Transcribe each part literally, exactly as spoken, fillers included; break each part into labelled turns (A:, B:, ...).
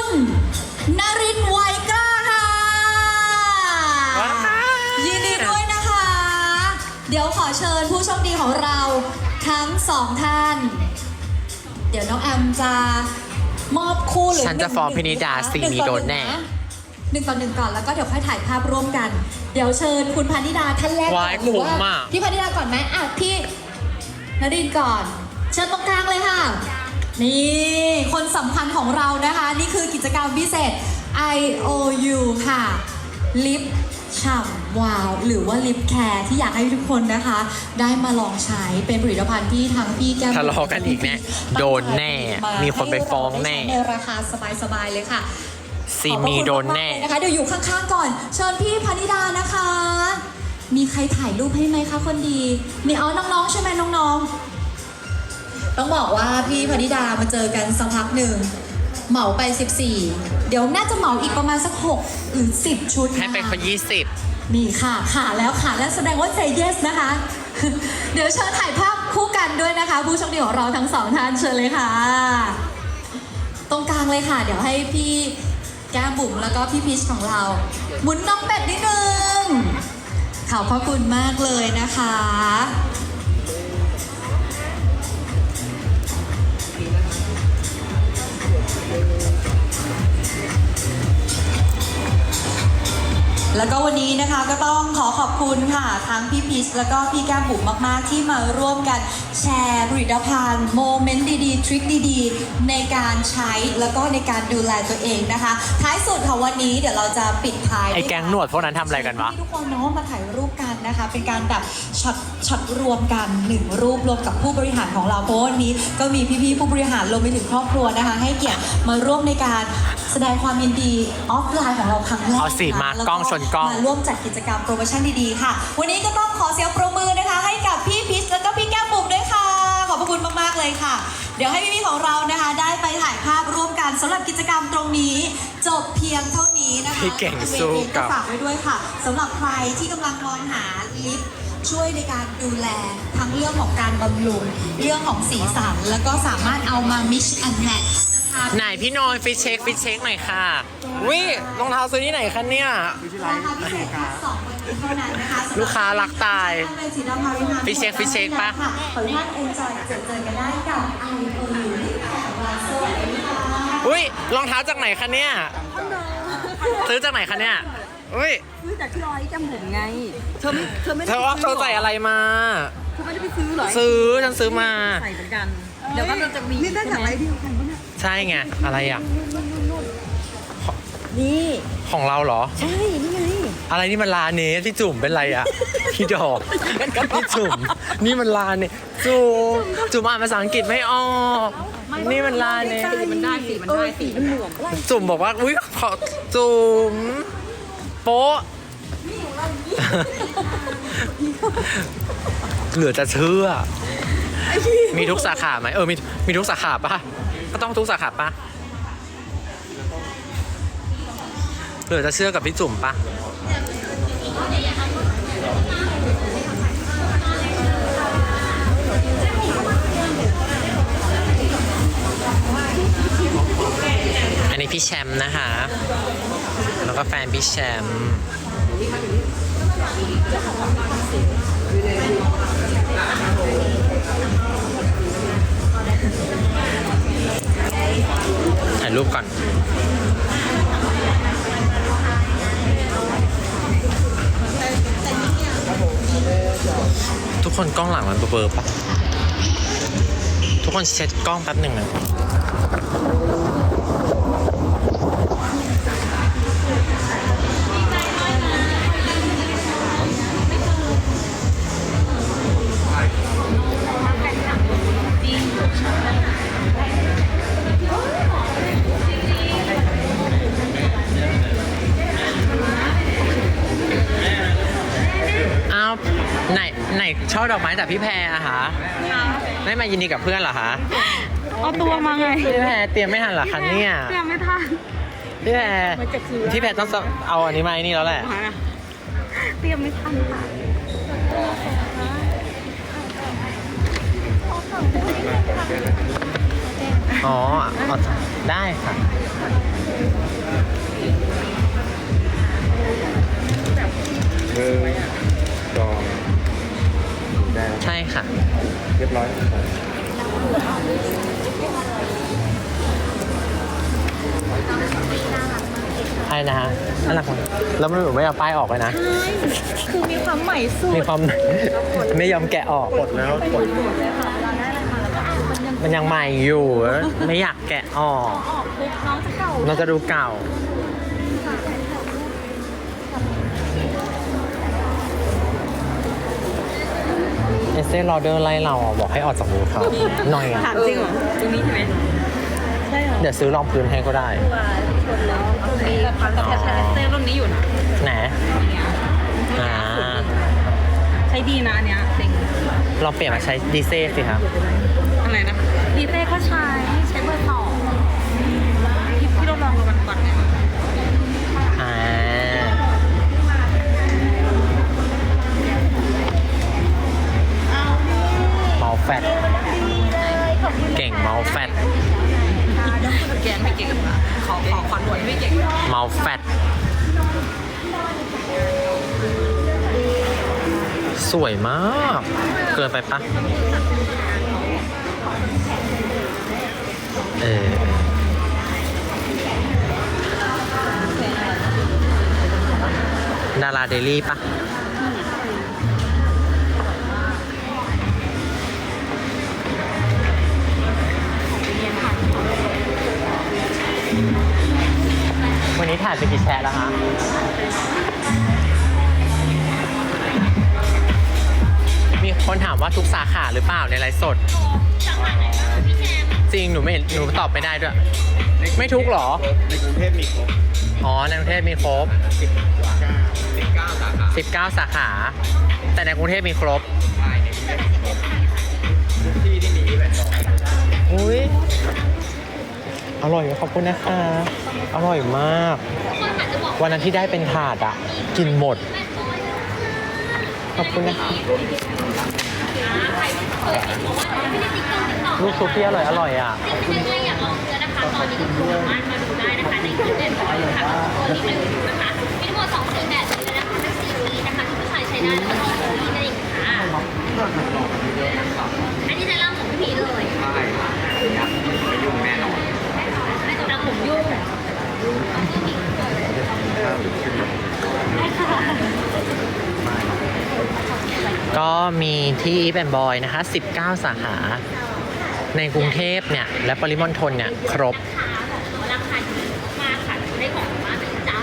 A: คุณนรินทร์ไวยกล้าค่ะยินดีด้วยนะคะเดี๋ยวขอเชิญผู้โชคดีของเราทั้งสองท่านเดี๋ยวน้องแอมจะมอบคู่หรือ
B: ฉันจะฟ้องพินิดาสีมีโดนแน่
A: หนึ่งต่อหนึ่งก่อนแล้วก็เดี๋ยวค่อยถ่ายภาพร่วมกันเดี๋ยวเชิญคุณพานิดาท่านแรกก่อนหรือว่าพี่พานิดาก่อนไหมอ่ะพี่นรินทร์ก่อนเชิญตรงกลางเลยค่ะนี่คนสำคัญของเรานะคะนี่คือกิจกรรมพิเศษ ไอ โอ ยู ค่ะลิปฉ่ำวาวหรือว่าลิปแคร์ที่อยากให้ทุกคนนะคะได้มาลองใช้เป็นผลิตภัณฑ์ที่ทั้งพี่แก้ม
B: ทะเลาะกันอีกแน่โดนแน่มีคนไปฟ้องแน่
A: ในราคาสบายๆเลยค่ะ
B: ซีมีโดนแน่
A: นะคะเดี๋ยวอยู่ข้างๆก่อนเชิญพี่พนิดานะคะมีใครถ่ายรูปให้ไหมคะคนดีมีเอาน้องๆใช่ไหมน้องๆต้องบอกว่าพี่พนิดามาเจอกันสักพักหนึ่งเหมาไปสิบสี่เดี๋ยวน่าจะเหมาอีกประมาณสักหกหรือสิบชุด
B: ให้เป็นคนยี่สิบ
A: นี่ค่ะค่ะแล้วค่ะแล้วแสดงว่า say yes นะคะเดี๋ยวเชิญถ่ายภาพคู่กันด้วยนะคะผู้โชคดีของเราทั้งสองท่านเชิญเลยค่ะตรงกลางเลยค่ะเดี๋ยวให้พี่แก้มบุ๋มแล้วก็พี่พีชของเราหมุนน้องเป็ดนิดนึงขอบพระคุณมากเลยนะคะแล้วก็วันนี้นะคะก็ต้องขอขอบคุณค่ะทั้งพี่พีชแล้วก็พี่แก้มบุ๋มมากๆที่มาร่วมกันแชร์ผลิตภัณฑ์โมเมนต์ดีๆทริคดีๆในการใช้แล้วก็ในการดูแลตัวเองนะคะท้ายสุดค่ะวันนี้เดี๋ยวเราจะปิดท้าย
B: ไอ้แก๊งหนวดพวกนั้นทำอะไรกันวะ
A: ทุกคนเนาะมาถ่ายรูปกันนะคะเป็นการแบบช็อตช็อตรวมกันหนึ่งรูปรวมกับผู้บริหารของเราเพราะวันนี้ก็มีพี่ๆผู้บริหารรวมไปถึงครอบครัวนะคะให้เกียรติมาร่วมในการแสดงความยินดีออฟไลน์ของเราครั้งแรก
B: เอาสิมากล้องชนกล้อง
A: มาร่วมจัดกิจกรรมโปรโมชั่นดีๆค่ะวันนี้ก็ต้องขอเสียงปรบมือนะคะให้กับพี่พิชแล้วก็พี่แก้มบุ๋มด้วยค่ะขอบพระคุณมากๆเลยค่ะเดี๋ยวให้พี่ๆของเรานะคะได้ไปถ่ายภาพร่วมกันสำหรับกิจกรรมตรงนี้จบเพียงเท่านี้นะคะ
B: พี่เก่งสู้กับ
A: ฝากไว้ด้วยค่ะสำหรับใครที่กำลังมองหาลิปช่วยในการดูแลทั้งเรื่องของการบำรุงเรื่องของสีสันแล้วก็สามารถเอามา mix and match
B: ไหนพี่นอยฟิชเช็คฟิชเช็คหน่อยค่ะวิรองเท้าซื้อที่ไหนคะเนี่ยลูกค้ารักตายฟิชเช็คฟิชเช็คปะ
A: ขออนุญาตเอ็นจอยเจอเจอกันได้กับ ไอ โอ ยู
B: อุ้ยรองเท้าจากไหนคะเนี่ยซื้อจากไหนคะเนี่ยอุ้ย
C: ซื้อจากที่ร้อยจำผมไงเธอไม่เธอไม่ได้
B: เธอว่าเธอใส่อะไรมา
C: เธอไม่ได้ไปซื้อหรอ
B: ซื้อฉันซื้อมา
C: ใส่เหมือนกันเดี๋ยวก็จะมีนี่ได้จากอะไรเดียวกันปะเนี่ย
B: ใช่ไงอะไรอ่ะ
C: นี่
B: ของเราเหรอ
C: ใช่นี่ไง
B: อะไรนี่มันลาเนสที่จุ่มเป็นไรอ่ะพี่ดอกพี่จุ่มนี่มันลาเนสจุ่มจุ่มอ่านภาษาอังกฤษไม่ออกนี่มันลาเนส
C: มันได้สีมันได้สีมันหน่วง
B: จุ่มบอกว่าอุ้ยขอจุ่มโป๊ะเหลือจะเชื่อมีทุกสาขาไหมเออมีมีทุกสาขาปะก็ต้องทุกสาขาปะเหลือจะเชื่อกับพี่จุ่มปะอันนี้พี่แชมป์นะคะแล้วก็แฟนพี่แชมป์ถ่ายรูปก่อนทุกคนกล้องหลังมันเบลอๆปะทุกคนเช็ดกล้องแป๊บหนึ่งนะไหนไหนช่อดอกไม้จากพี่แพรอะคะไม่มายินดีกับเพื่อนเหรอคะ
C: เอาตัวมาไง
B: พี่แพรเตรียมไม่ทันเหรอคะเนี่ย
C: เตรียมไม่ทัน
B: พี่แพรพี่แพรต้องเอาอันนี้มาไอ้นี่แล้วแหละ
C: เตรียมไม่ทันค่ะ
B: อ๋อเอาได้ค่ะ
D: เบอร์จองได้แล้ว
B: ใช่ค่ะ
D: เรียบร้อย
B: ใช่นะฮะน่ารักมากแล้วมันหนูไม่เอาป้ายออกเลยนะ
C: คือมีความใหม่สุด
B: มีความ ไม่ยอมแกะออก
D: กดแล้วกด
C: เลยค่ะเราได้อะไรมาแล้วก็อ่านมันยัง
B: มันยังใหม่อยู่ ไม่อยากแกะออก
C: ออกปุ๊บน้องจะเก่า
B: เราจะดูเก่า เอสเซ่รอเดอร์ไล่เราอ่ะบอกให้ออกจากมือเขาหน่อยอ่ะ
C: ถามจริงเหรอตรงนี้ใช่ไหมใช่เหรอ
B: เดี๋ยวซื้อรองพื้นให้ก็ได้
C: ว่าชนแล้วตรงนี้ความแต่ใช้เซรุ่นนี้อยู่นะ
B: ไหนอ่า
C: ใช้ดีนะอันเนี้ยจริง
B: ลองเปลี่ยนมาใช้ดีเซ่สิครับ
C: อะไรนะดีเต้ก็ใช้ใช้เบอร์สองที่ที่เราลองกันวันก่อนเนี่ย
B: อ่า เมาแฟต เก่งเมาแฟต
C: แกนไม่เก่งอะขอขอขอหน่วยไม่เก่ง
B: เมาแฟต สวยมาก เกินไปปะเออ ดาราเดลี่ปะวันนี้ถ่ายไปกี่แชร์แล้วฮะ มีคนถามว่าทุกสาขาหรือเปล่าในไลฟ์สด จริงหนูไม่เห็นหนูตอบไม่ได้ด้วย ไม่ทุกหรอ
D: ในกรุงเทพมีครบ
B: อ๋อในกรุงเทพมีครบ
D: สิบเก้าสาขา
B: สิบเก้าสาขา แต่ในกรุงเทพมีครบ
D: ใช่ในกรุงเทพมีครบทุกที่ที่มีอีเวนต์บอก
B: อุ้ยอร่อยขอบคุณนะคะ อร่อยมาก วันนั้นที่ได้เป็นถาดอ่ะ กินหมด ขอบคุณนะคะลูกซุปที่อร่อยอร่อยอ่ะ
E: ถ้าอยากลองเนื้อนะคะ ตอนนี้ก็คือสามารถมาดูได้นะคะในคลิปเด่นของเราค่ะตัวนี้เป็นนะคะมีทั้งหมดสองสีแบบเลยนะคะทั้งสีนี้นะคะที่ผู้ชายใช้ได้แล้วก็สีนี้นั่นเองค่ะอันนี้ใช้ล่างผมพี่พีเลย
D: ใช่ไม่ยุ่งแน่นอน
E: ไม่ต้องรับผมยุ่ง
B: ก็มีที่อีฟแอนบอยนะคะ สิบเก้า สาขา ในกรุงเทพเนี่ย และปริมณฑลเนี่ย ครบ
E: ราคาดีมากค่ะได้ของมาเป็นจ้า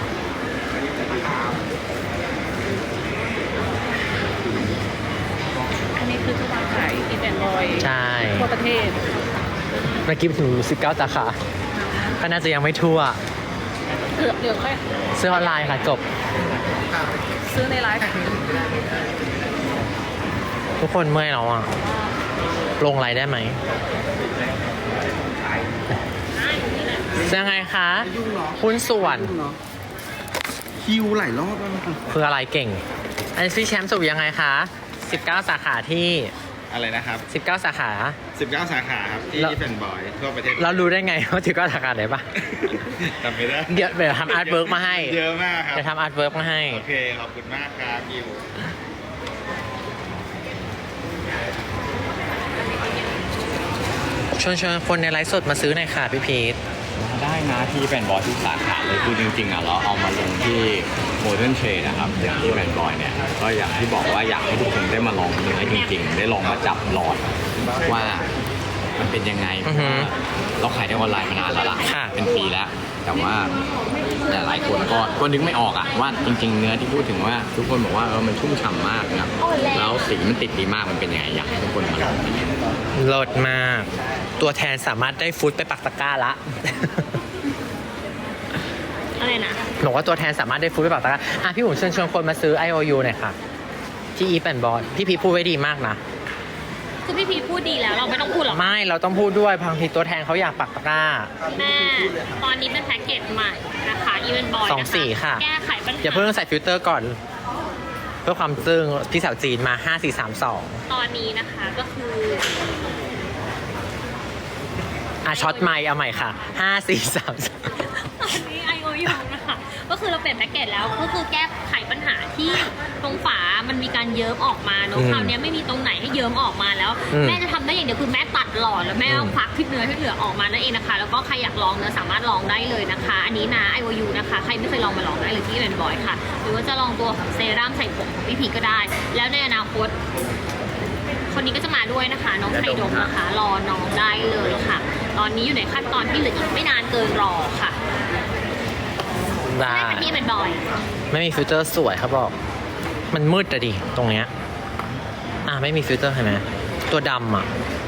C: อันนี้คือจะวางขายอีเวนต์ลอย
B: ใช่
C: ทั่วประเทศ
B: เมื่อกี้ถึงสิบเก้า สาขา ก็น่าจะยังไม่ทั่ว
C: เดี๋ยวเดี๋ยวค่อย
B: ซื้อออนไลน์ค่ะจบ
C: ซื้อในไลฟ์
B: ทุกคนเมื่อยแล้วอ่ะ ลงไลน์ได้ไหมยังไงคะหุ้นส่วน
D: คิวหลายรอบแล้วนะครับ
B: คืออะไรเก่ง อันนี้พี่แชมป์สรุปยังไงคะสิบเก้า สาขาที่
D: อะไรนะครับ
B: สิบเก้า สาขา
D: สิบเก้าสาขาครับที่
B: แล้ว
D: อีเวนต์บอยทั่วประเทศ
B: เรารู้ได้ไงว่าสิบเก้า สาขาไหนปะ
D: จำไม่ได้
B: เดี๋ยวเดี๋ยวทำอาร์ตเวิร์กมาให้
D: เยอะมากครับ
B: เดี๋ยวทำอาร์ตเวิร์กมาให้
D: โอเค ขอบคุณมากครับคิว
B: ชวนชวนคนในไลฟ์สดมาซื้อหน่อยค่ะพี่พีท
F: ได้นะที่แฟนบอยทุกสาขาเลยคือจริงๆอ่ะเราเอามาลงที่โมเดิร์นเทรดนะครับอย่างที่แฟนบอยเนี่ยก็อย่างที่บอกว่าอยากให้ทุกคนได้มาลองเนื้อจริงๆ ได้ลองมาจับหลอดว่ามันเป็นยังไงเพราะว่าเราขายในออนไลน์มานานแล้วล่ะ
B: ค่ะ
F: เป็นปีแล้ว แต่ว่าแต่หลายคนก็ก็นึกไม่ออกอ่ะว่าจริง ๆ เนื้อที่พูดถึงว่าทุกคนบอกว่าเออมันชุ่มฉ่ำมากนะแล้วสีมันติดดีมากมันเป็นยังไงอยากให้ทุกคนมาลอง
B: โหลดมาก ตัวแทนสามารถได้ฟุตไปปักตะกร้าละ
E: อะไรนะ
B: หนูว่าตัวแทนสามารถได้ฟุตไปปักตะกร้าอ่ะพี่หุ่นเชิญชวนคนมาซื้อ ไอ โอ ยู หน่อยค่ะ ที่อีฟแอนบอลพี่พีพูดไว้ดีมากนะ
E: คือพี่พีพูดดีแล้วเราไม่ต้องพูดหรอก
B: ไม่เราต้องพูดด้วยบางทีตัวแทนเขาอยากปักตะกร้า
E: แม่ตอนนี้เป็นแพ็กเกจใหม่นะคะอีเวนต์บอย
B: สองสีค่ะ
E: แก้ไขปัญหา
B: อย่าเพิ่งใส่ฟิลเตอร์ก่อน เพื่อความซึ้งพี่สาวจีนมาห้า สี่ สาม สอง
E: ตอนนี้นะคะก็คือ
B: อ่ะช็อตไมค์เอาใหม่ค่ะห้าสี่สาม
E: ตอนนี้ ไอ โอ ยู นะคะ ก็คือเราเปลี่ยนแพ็กเกจแล้ว ก็คือแก้ไขปัญหาที่ตรงฝา มันมีการเยิ้มออกมาเนอะ
B: อืม
E: คราวนี้ไม่มีตรงไหนให้เยิ้มออกมาแล้ว
B: อืม
E: แม่จะทำได้อย่างเดียวคือแม่ตัดหลอดแล้วแม่
B: อืม
E: ควักที่เนื้อที่เหลือออกมานั่นเองนะคะ แล้วก็ใครอยากลองเนื้อสามารถลองได้เลยนะคะ อันนี้นะ ไอ โอ ยู นะคะ ใครไม่เคยลองมาลองได้เลยที่แบนบอยค่ะ หรือว่าจะลองตัวของเซรั่มใส่ผมของพี่พีก็ได้ แล้วในอนาคต คนนี้ก็จะมาด้วยนะคะ น้องไทยดมนะคะ รอน้องได้เลยค่ะ ตอนนี้อยู่ในขั้นตอนที่เหลืออีกไม่นานเกินรอค่ะ
B: ได้
E: ได้ค่ะที่แบนบอย
B: ไม่มีฟิลเตอร์สวยเขาบอก มันมืดอะดิ ตรงเนี้ย อ่ะ ไม่มีฟิลเตอร์เห็นไหมตัวดำอ่ะ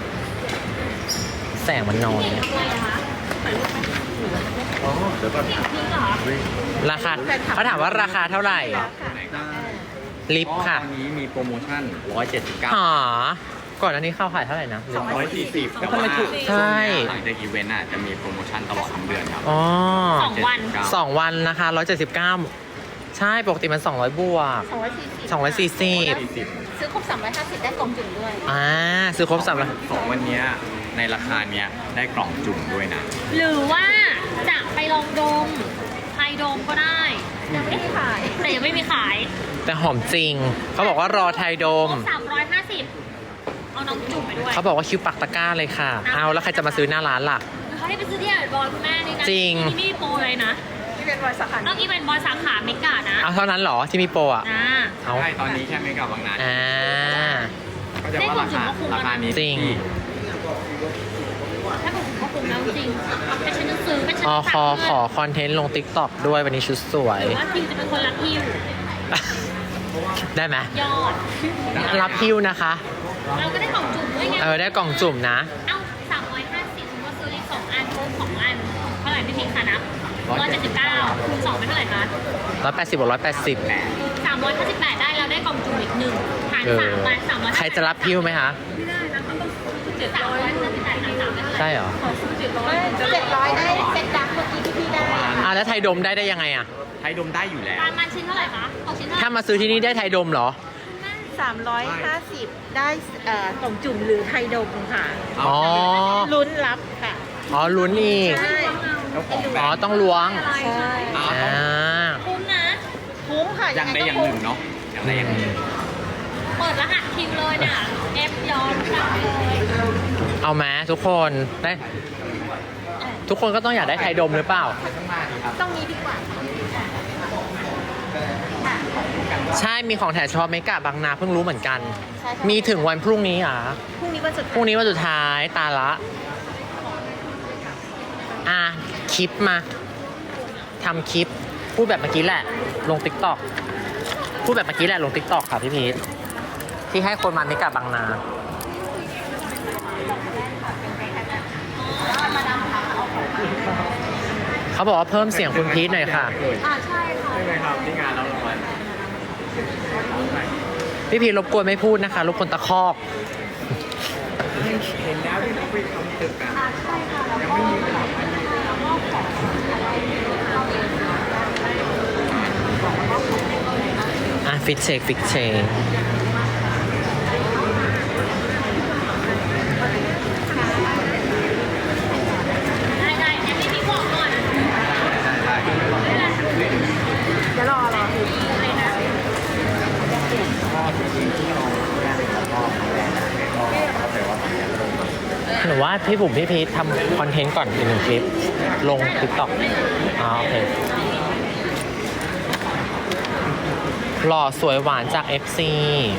B: แสงมันน้อย
E: อะไรอะคะ
D: อ๋อเดี๋ยวก่อน
E: พี่พีเหรอ
B: ราคาเขาถามว่าราคาเท่าไหร่ ลิฟต์ค่ะ
F: ตอนนี้มีโปรโมชั่นหนึ่งร้อยเจ็ดสิบเก้า
B: หาก่อนอันนี้เข้าขายเท่าไหร่นะ
F: สองร้อยสี่สิบ
B: แล้วทำไมถูกใช่
F: หลังจากอีเวนต์อ่ะจะมีโปรโมชั่นตลอดทั้งเดือนครับ
B: อ๋อ
E: สองวัน
B: สองวันนะคะร้อยเจ็ดสิบเก้าใช่ ปกติมันสองร้อยบวก
C: สองร้อยสี่สิบ
B: สองร้อยสี่สิบ
C: ซื้อครบสามร้อยห้าสิบได้กล่องจุ่มด้วย
B: อ่า ซื้อครบสามร้อย
F: สองวันเนี้ยในราคาเนี้ยได้กล่องจุ่มด้วยนะ
E: หรือว่าจะไปลองดมไทยดมก็ได้
C: ยังไม่ได้ขาย
E: แต่ยังไม่มีขาย
B: แต่หอมจริง เขาบอกว่ารอไทยโดม
E: สามร้อยห้าสิบเอาน้องจุ่มไปด้วย
B: เขาบอกว่าคิวปักตะกร้าเลยค่ะ เอาแล้วใครจะมาซื้อหน้าร้านล่ะ
E: เขาให้ไปซื้อที่แอนบอยคุณแม่นี่นะ
B: จริง
E: ที่นี่ไม่มีโปรเลยนะ
C: ที่เป็นบริษัท
E: ต้องอีเวนต์บอยสาขาเมกานะ
B: เอาเท่านั้นเหรอที่มีโปรอ่ะ
E: นะ
B: เอา
F: ใช่ ตอนนี้แค่ไม่กับบางนา
B: อ่า
F: ก็จะว่าราคาราคานี้
B: จริง
F: ที่
E: ถ้าผมก็คงแล้วจริงเป็นฉันจะซื้อเป็นฉัน
B: อ
E: จะ
B: คอขอคอนเทนต์ลงติ๊กต็อกด้วยวันนี้ชุดสวย
E: หรือว่าคิวจะเป็นคนรับคิว
B: ได้ไหม
E: ยอด
B: รับฮิวนะคะ
E: เราก็ได้กล่องจุ่มด้วยไง
B: เออ ได้กล่องจุ่มนะ
E: เอ้าสามร้อยห้าสิบก็ซื้ออีกสองอันคูณสองอัน เท่าไหร่พี่พิงค์คะนับร้อยเจ็ดสิบเก้าคูณสองเป็นเท่าไหร่คะ
B: ร้อยแปดสิบบวกร้อยแปดสิบ
E: สามร้อยห้าสิบแปดได้แล้วได้กล่องจุ่มอีกหนึ่งหาร
B: เออ
E: สามมาสามร้อย
B: ใครจะรับฮิวไหมคะ
E: เจ็ดร้อยห้าสิบแปดหารสามเป็นเท่าไหร่
B: ใช่เหรอ
C: เจ็ดร้อยได้เซ็ตดักเมื่อกี้ที่พี่ได้
B: อ่าแล้วไทยดมได้ได้ยังไงอ่ะ
F: ไทยดมได้อยู่แล้ว
E: ประมาณชิ้นเท่าไหร่คะตกชิ้นเท่าไหร่
B: ถ้ามาซื้อที่นี่ได้ไทยดมเหรอ
C: สามร้อยห้าสิบได้เอ่อกล่องจุ่มหรือไทยดมค่ะ
B: อ๋อ
C: ลุ้นรับค่ะ
B: อ๋อลุ้นอีก
C: ใช่
F: เจ้าของแบร
B: อ๋อ
F: นด์
B: ต้องล้วง
C: ใช่
F: อ่า
B: อ่า
E: คุ้มนะ
C: คุ้มค่ะ
F: อย่างใดอย่างหนึ่งเนาะอย่างใดอย่างหนึ่ง
E: เปิดรหัสคิวเลยเนี่ยเอฟยอมสั่งเลย
B: เอาไหมทุกคนได้ทุกคนก็ต้องอยากได้ไทยดมหรือเปล่า
C: ต้องมีดีกว่า
B: ใช่ มีของแถมเฉพาะเมกะบางนาเพิ่งรู้เหมือนกัน
C: ใช่ค่ะ
B: มีถึงวันพรุ่งนี้อ่ะ
C: พรุ่งนี้วันสุด
B: พรุ่งนี้วันสุดท้ายตาละ อ่ะ คลิปมาทำคลิป พูดแบบเมื่อกี้แหละ ลงติ๊กต็อกพูดแบบเมื่อกี้แหละลงติ๊กต็อกค่ะพี่พีทที่ให้คนมาเมกะบางนา เขาบอกว่าเพิ่มเสียงคุณพีทหน่อยค่ะ
E: อ่าใช่ค่ะ
F: ใช่ไหมครับที่งานเรารางวัล
B: พี่พีทรบกวนไม่พูดนะคะรบกวนตะคอก
F: เห็นแล้วที่เขาไปทำตึกกันยังไม่มีเวลา
B: อ่ะ ฟิตเชคฟิตเชค
E: ได้ได้เดี๋ยวพี่พิงค์บอกก่อน
C: เดี๋ยวรอรอ
E: เลยนะ
B: หนูว่าพี่บุ๋มพี่พีททำคอนเทนต์ก่อนอีกหนึ่งคลิป ลงติ๊กต็อกอ๋อโอเค หล่อสวยหวานจาก เอฟ ซี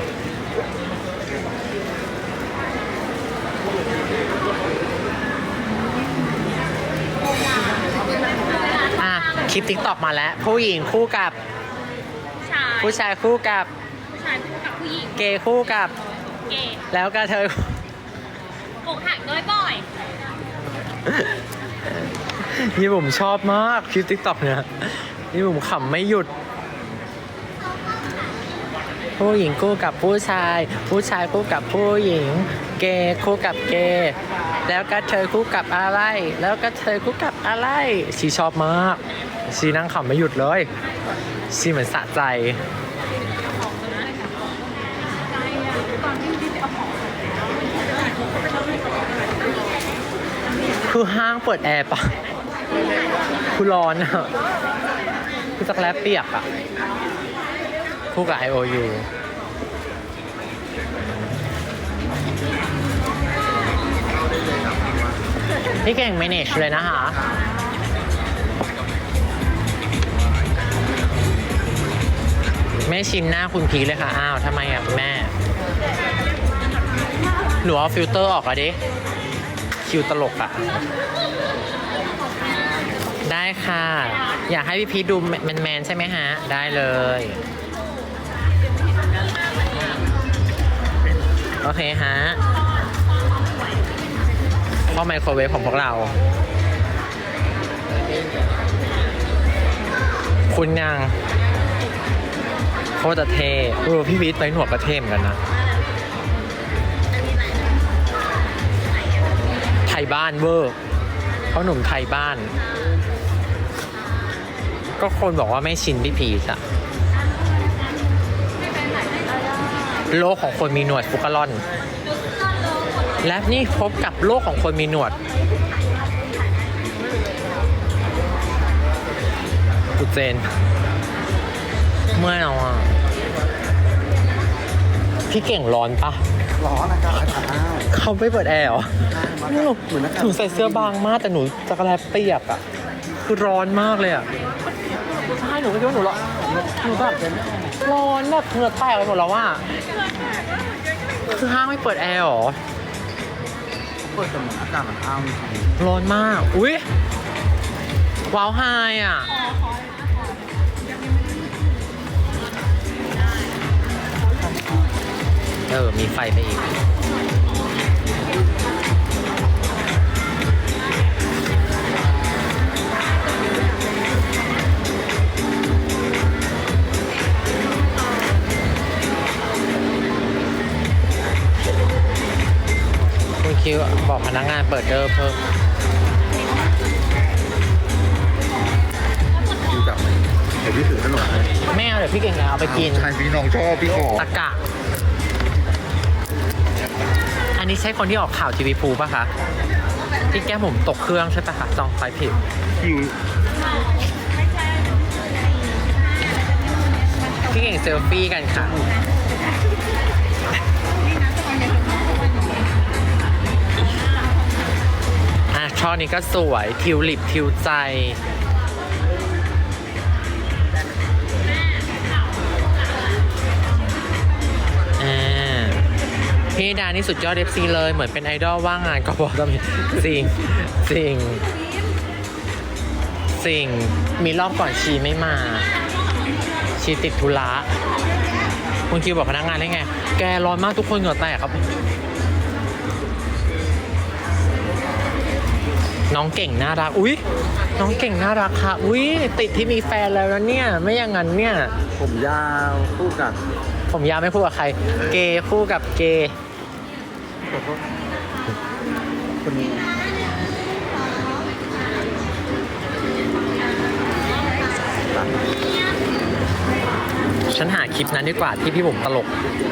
B: อ่ะ คลิปติ๊กต็อกมาแล้ว ผู้หญิงคู่กับ
E: ผู้ชาย
B: ผู้ชายคู่กับ
E: ผู้ชายคู่กับผู้หญิง
B: เกย์คู่กับ
E: เกย์
B: แล้วก็เธอ
E: อกหักด้วยบ่อย
B: พี่บุ๋มชอบมากคลิปติ๊กต็อกเนี่ยพี่บุ๋มขำไม่หยุด ผู้หญิงคู่กับผู้ชาย ผู้ชายคู่กับผู้หญิง เกย์คู่กับเกย์แล้วก็เธอคู่กับอะไร แล้วก็เธอคู่กับอะไรชีชอบมากชีนั่งขำไม่หยุดเลยชีเหมือนสะใจคือห้างเปิดแอร์ปะคือร้อนอะคือจักรแลเปียกอะคู่กับ ไอ โอ ยู พี่เก่ง manage เลยนะคะ แม่ชิมหน้าคุณพีเลยค่ะ อ้าวทำไมอ่ะคุณแม่ หนูเอาฟิลเตอร์ออกอะดิ คิวตลกอะได้ค่ะ อยากให้พี่พีทดูแมนๆใช่ไหมฮะ ได้เลย โอเคฮะเข้าไมโครเวฟของพวกเรา คุณยังโคตรจะเท่เออพี่วิทย์ไปหนวดก็เท่เหมือนกันนะ ไทยบ้านเวอร์เขาหนุ่มไทยบ้าน ก็คนบอกว่าไม่ชินพี่พีชอะโลกของคนมีหนวดฟุกกะลอน และนี่พบกับโลกของคนมีหนวดกูเจน เมื่อยเอาอ่ะ พี่เก่งร้อนปะ
D: ร้อนอากาศอากาศอ้าว
B: เขาไม่เปิดแอร์เหรอ
D: เหมือนอากาศ
B: หนูใส่เสื้อบางมากแต่หนูจักรแลเปียกอ่ะ คือร้อนมากเลยอ่ะใช่หนูก็คิดว่าหนูร้อนหนูแบบร้อนแบบเหงื่อแตกไปหมดแล้วว่าคือห้างไม่เปิดแอร์เหรอ
D: เปิดแต่เหมือนอากาศมันอ้าวจริง
B: ร้อนมาก อุ๊ย ว้าวไฮอ่ะ เออ มีไฟไปอีก คุณคิวบอกพนักงานเปิดเดอร์เพิ่ม
D: ๆดูจับไหมเดี๋ยวพี่ถือขนมให้
B: ไม่เอาเดี๋ยวพี่เก่งเอาไปกิน
D: ใช่พี่น้องชอบพี่ขอ
B: ตะกะ อันนี้ใช่คนที่ออกข่าวทีวีพูป่ะคะ ที่แก้มผมตกเครื่องใช่ปะคะจองไฟผิด
D: คิว
B: พี่เก่งเซลฟี่กันค่ะ อ่ะช่อนี้ก็สวย ทิวลิปทิวใจ อ่า พี่ดานี่สุดยอด เอฟ ซี เลย เหมือนเป็นไอดอลว่างงานก็บอกก็มีจริงจริงจริงมีรอบก่อนชีไม่มา ชีติดธุระคุณคิวบอกพนักงานได้ไง แกร้อนมากทุกคนเหงื่อแตกครับ น้องเก่งน่ารัก อุ๊ย น้องเก่งน่ารักค่ะ อุ๊ย ติดที่มีแฟนแล้วนะเนี่ย ไม่อย่างนั้นเนี่ย
D: ผมยาวคู่กับ
B: ผมยาวไม่คู่กับใคร เกย์คู่กับเกย์
D: คนนี้
B: ฉันหาคลิปนั้นดีกว่าที่พี่บุ๋มตลก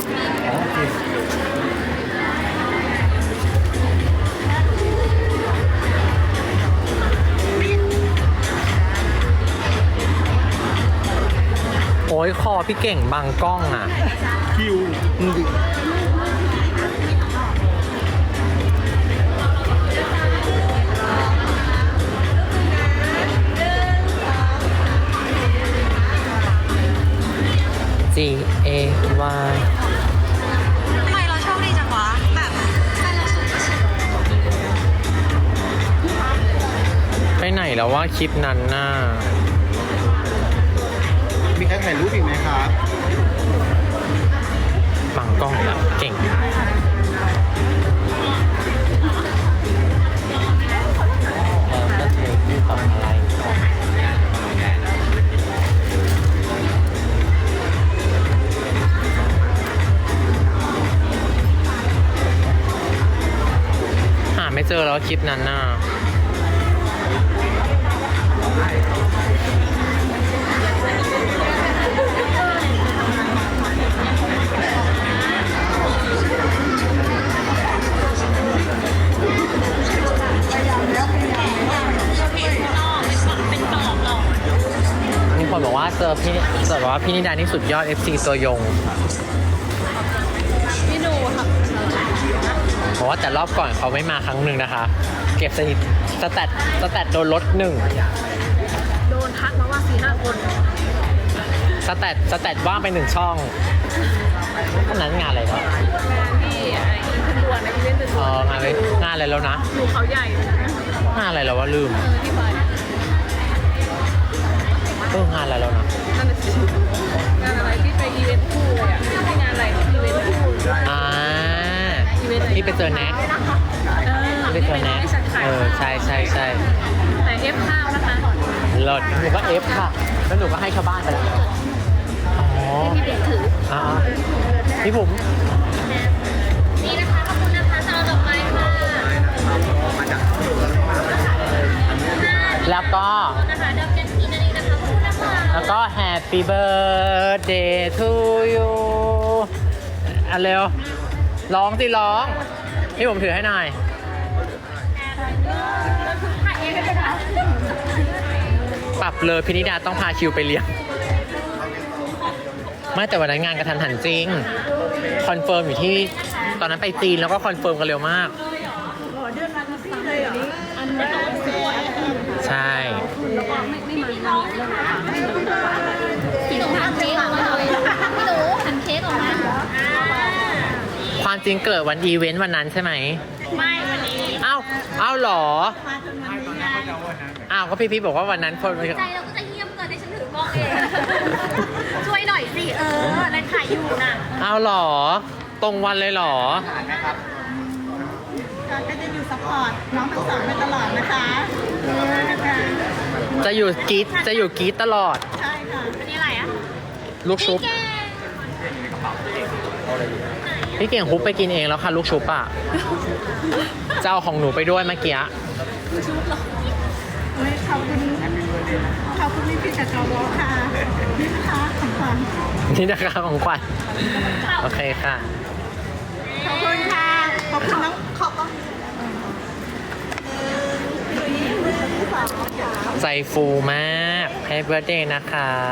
B: โอ้ยคอพี่เก่งบังกล้องอ่ะ
D: คิวมึงดิ
B: G A Y
C: ทำไมเราโชคดีจังวะ แบบแฟนเราสูงก็สูง
B: ไปไหนแล้วว่าคลิปนั้นน่ะ
D: มีใครถ่ายรูปอีกไหมครับ
B: บังกล้องแล้วเก่ง แล้วก็เธอที่ทำอะไรก่อนหาไม่เจอแล้วคลิปนั้นน่ะคนบอกว่าเจอพี่เจอบอกว่าพี่นิดานี่สุดยอด เอฟ ซี ตัวยง
C: พี่หนูค่ะ
B: บอกว่าแต่รอบก่อนเขาไม่มาครั้งหนึ่งนะคะ เก็บสถิติสแตทสแตทโดนลดหนึ่ง
C: โดนทักมาว่าสี่ห้าคน
B: สแตทสแตทว่างไปหนึ่งช่องอันนั้นงานอะไรเนาะ
C: งานที่ไอ้ขึ้นดวนไอ้อีเวนต์เป็น
B: เอองานอะไรงานอะไรแล้วนะ
C: หนูเขาใหญ่เลยนะ
B: งานอะไรแล้ววะลืม
C: เออที่ไป
B: เอองานอะไรแล้วนะ
C: นั่นน่ะสิงานอะไรที่ไปอีเวนต์คู่เลยอ่ะที่งานอะไรอีเวนต์คู่
B: อ่า
C: อีเวนต์อะไร
B: ที่ไปเจอแน็ก
C: เออ
B: ที่ไปเจอแน็ก
C: ที่ฉันขาย
B: เออใช่ใช่ใช่
C: แต่เอฟข้าวนะคะ
B: เลิศหนูก็เอฟค่ะ แล้วหนูก็ให้ชาวบ้านไปแล้วอ๋อ
C: ที่เด็กถือ
B: อ่าพี่ผม
E: นี่นะคะขอบคุณนะคะสำหรับดอกไม้ค่ะ
B: แล้วก็
E: นะคะดอกแกนทีนั่นเองนะคะขอบคุณนะคะ
B: แล้วก็ Happy Birthday to you อ่ะเร็ว ร้องสิร้อง พี่ผมถือให้หน่อย
E: ถ่ายเองเลยนะ
B: ปรับเลยพินิดาต้องพาคิวไปเลี้ยง ไม่แต่วันนั้นงานกระทันหันจริง คอนเฟิร์มอยู่ที่ตอนนั้นไปจีนแล้วก็คอนเฟิร์มกันเร็วมาก ใช่
E: พี่หนูทำเค้กออกมาเลยพี่หนูทำเค้กออกมา
B: ความจริงเกิดวันอีเวนต์วันนั้นใช่ไหม
E: ไม่วันนี้
B: เอ้า เอ้าเหรอ อ้าว ก็พี่พี่บอกว่าวันนั้นคน
E: ใจเราก็จะเงียบเกินให้ฉันถือกล้องเอง ช่วยหน่อยสิ เออแล้วถ่ายอยู่น่ะ
B: เอ้าเหรอ ตรงวันเลยเหรอ
G: ก็จะอยู่ซัพพอร์ตน้องทั้งสองไปตลอดนะคะเออนะคะ
B: จะอยู่กรีดจะอยู่กรีดตลอด
G: ใช่ค่ะ
E: อันนี้อะไรอ่ะ
B: ลูกชุบ
E: แก
B: พี่เก่งฮุบไปกินเองแล้วค่ะลูกชุบอ่ะจะเอาของหนูไปด้วยเมื่อกี้
G: เฮ้ยขอบคุณขอบคุณพี่พี่จากจอวอค่ะนี่นะคะของขวัญ
B: นี่นะคะของขวัญโอเคค่ะ
G: ขอบคุณค่ะ ขอบคุณน้องขอบคุณ
B: ใจฟูมากให้เบิร์ดเดย์นะคะ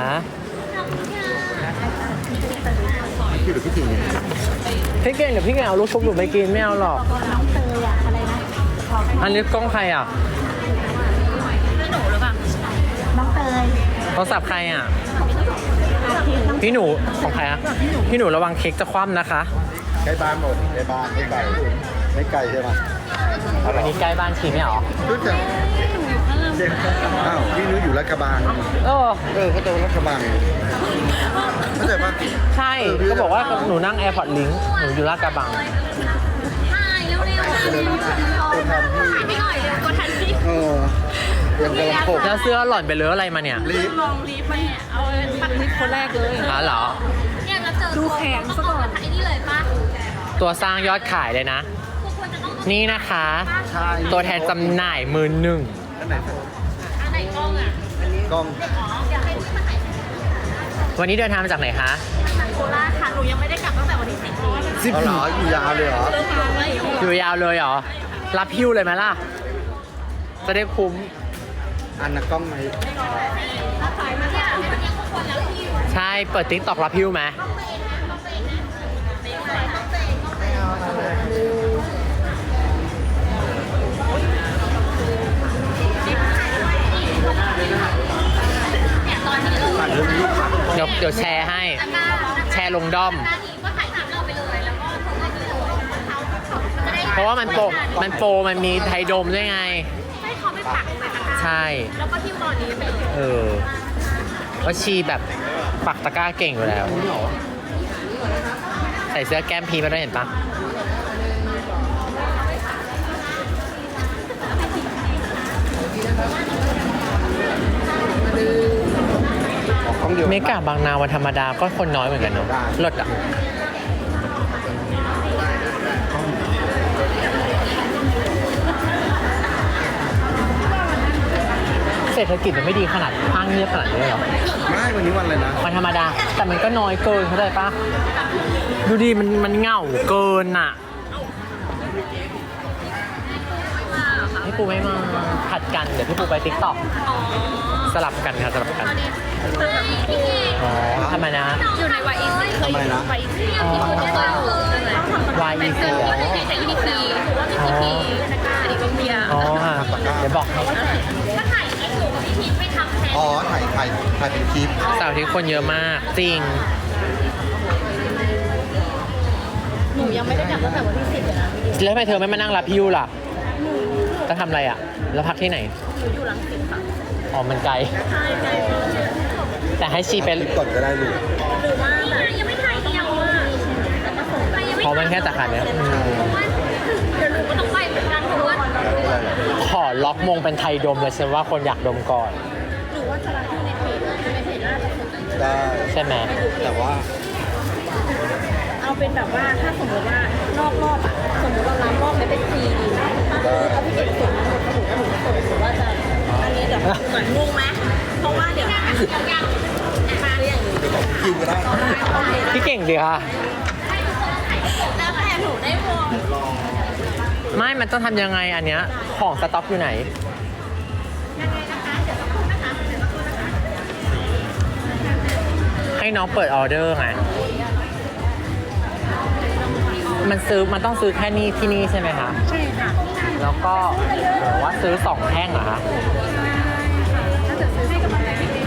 D: พี่หรือพี่ถิงเนี่ย
B: พี่เก่งเดี๋ยวพี่เก่งเอาลูกชุบหนูไปกินไม่เอาหรอก
G: น้องเตยอะอะไรนะ
B: อันนี้กล้องใครอ่ะ
G: น้องเตย
B: โทรศัพท์ใครอ่ะ
G: อาทิตย์น้อง
B: พี่หนูของใครอ่ะพี่หนูระวังเค้กจะคว่ำนะคะ
D: ใกล้บ้านหมดใกล้บ้านไม่ไกลไม่ไกลใช่ไหม
B: อันนี้ใกล้บ้านชีไม่เหรอ
D: รู้จักอ้าวพี่นุ้ยอยู่รัฐกระบัง
B: เออ
D: เออเขาตรงรัฐกระบังเข้าใจปะ
B: ใช่ก็บอกว่าหนูนั่ง AirPods Link หนูอยู่ลาดกระบัง
E: ถ่ายเร็วๆเร็ว
D: ตัวทันที่
E: ถ่ายไม่หน่อยเร็วกดทันสิ
D: เออยังกำลังโผล่
B: แล้วเสื้อหล่อนไปเลอะอะไรมาเนี่ย
D: รีบ
C: ลองรีบมาเนี่ยเอาปักลิฟคนแรกเลย
B: อ๋อเหรอ
E: เนี่ยเราเจอ
C: ดูแขนซะก่อน
E: ไอ้นี่เลยป่ะ
B: ตัวสร้างยอดขายเลยนะ
E: ทุกคนจะต้อง
B: นี่นะคะ
D: ใช่
B: ตัวแทนจำหน่ายมือหนึ่ง
D: อันไหน
E: อันไหนกล้องอ่ะ
D: กล้อง
E: อ๋ออยากให้พี่มาถ่าย
B: วันนี้เดินทางมาจากไหนคะ
E: จากโคราชค่ะ หนูยังไม่ได้กลับตั้งแต่วันที่สิบนี้
D: สิบเหรออยู่ยาวเลยเหรอ
B: อยู่ยาวเลยเหรอ รับหิ้วเลยไหมล่ะ จะได้คุ้ม
D: อันนะกล้องไหม
B: ใช่ เปิดติ๊กตอกรับหิ้วไหมเดี๋ยวเดี๋ยวแชร์ให้ แชร์ลงด้อม
E: นาทีก็ถ่ายคลิปเราไปเลยแล้วก็เขาก็ที่เขาเขาจะได้
B: เพราะว่ามันโปรมันโปรมันมีไทยโดมด้วยไง
E: ให้เขาไปปักไปตะกร้า
B: ใช่
E: แล้วก็ที่ตอนนี้ไปเลย
B: เออว่าชีแบบปักตะกร้าเก่งอยู่แล้ว ใส่เสื้อแก้มพีมาด้วยเห็นปะ
D: กล้องเดียว
B: เมกะบางนาวันธรรมดาก็คนน้อยเหมือนกันเนาะลดอ่ะ เศรษฐกิจมันไม่ดีขนาดห้างเงียบขนาดนี้เลยเหรอ
D: ไม่วันนี้วันอะไรนะ
B: วันธรรมดา แต่มันก็น้อยเกินเข้าใจปะดูดิมันมันเหงาเกินอ่ะพี่ปูไม่มาผัดกัน เดี๋ยวพี่ปูไปติ๊กต็อกสลับกันค่ะสลับกัน
E: ตอนนี้
B: อ๋อทำไมนะ
C: อยู่ในวายอีซีเคยอยู่ในวายอีซี
B: อ๋อ
C: ที่คุณได้เจอ
B: วายอีซี
C: ก็จะมีแต่อีพีพีอีพีอีกเบียร์
B: อ๋อค่ะเดี๋ยวบอกให้
E: ถ้าถ่ายคลิปหนูกับพี่พีชไม่ทำแทน
H: อ๋อ ถ่ายถ่ายถ่ายเป็นคลิป
B: เสาร์อาที่คนเยอะมาก จริง
C: หนูยังไม่ได้กลับตั้งแต่วันที่สิบเลยนะ
B: แล้วทำไมเธอไม่มานั่งรับพิวล่ะ จะทำอะไรอ่ะ แล้วพักที่ไหน
C: หนูอยู่รังสิตค่ะ
B: อ๋อ มันไกล
C: ใช่ใช่
B: แต่ให้ชีไป
H: คลิปก่อนก็ได้ลูก
C: หรือว่า
E: นี่ไงยังไม่ถ่ายเดียวอ่ะไปยังไม่
B: เพราะมันแค่สาขาเนี้ยอืม
E: เพราะว่าเดี๋ยวหนูก็ต้องไปเหมือนกันเพราะว่า
B: ขอล็อกมงเป็นไทยดมเลยฉันว่าคนอยากดมก่อน
C: หรือว่าจะรับที่ในเพจในเพจน่าจะคน
H: ได้
B: ใช่ไหม
H: แต่ว่า
C: เอาเป็นแบบว่าถ้าสมมติว่านอกรอบอ่ะสมมติเรารับรอบไม่เป็นฟรีดีนะถ้าพี่เอกส่งมาหมดหนูก็หนูก็ส่งหรือว่าจะอันนี้เดี๋ยวเหมือนงงไหมเพราะว่าเดี๋ยวนะยังมาหรือยัง
H: เดี๋ยวบอกคิวก็ได้
B: พี่เก่งดีค่ะ
C: แล้วแต่หนูได้วง
B: ไม่ มันต้องทำยังไงอันเนี้ย ของสต็อกอยู่ไหน ให้น้องเปิดออเดอร์ไง มันซื้อ มันต้องซื้อแค่นี้ที่นี่ใช่ไหมคะ
C: ใช่ค่ะ
B: แล้วก็หรือว่าซื้อสองแท่งเหรอคะ
C: ถ้าจะซื้อให้กับอะไรพี่เ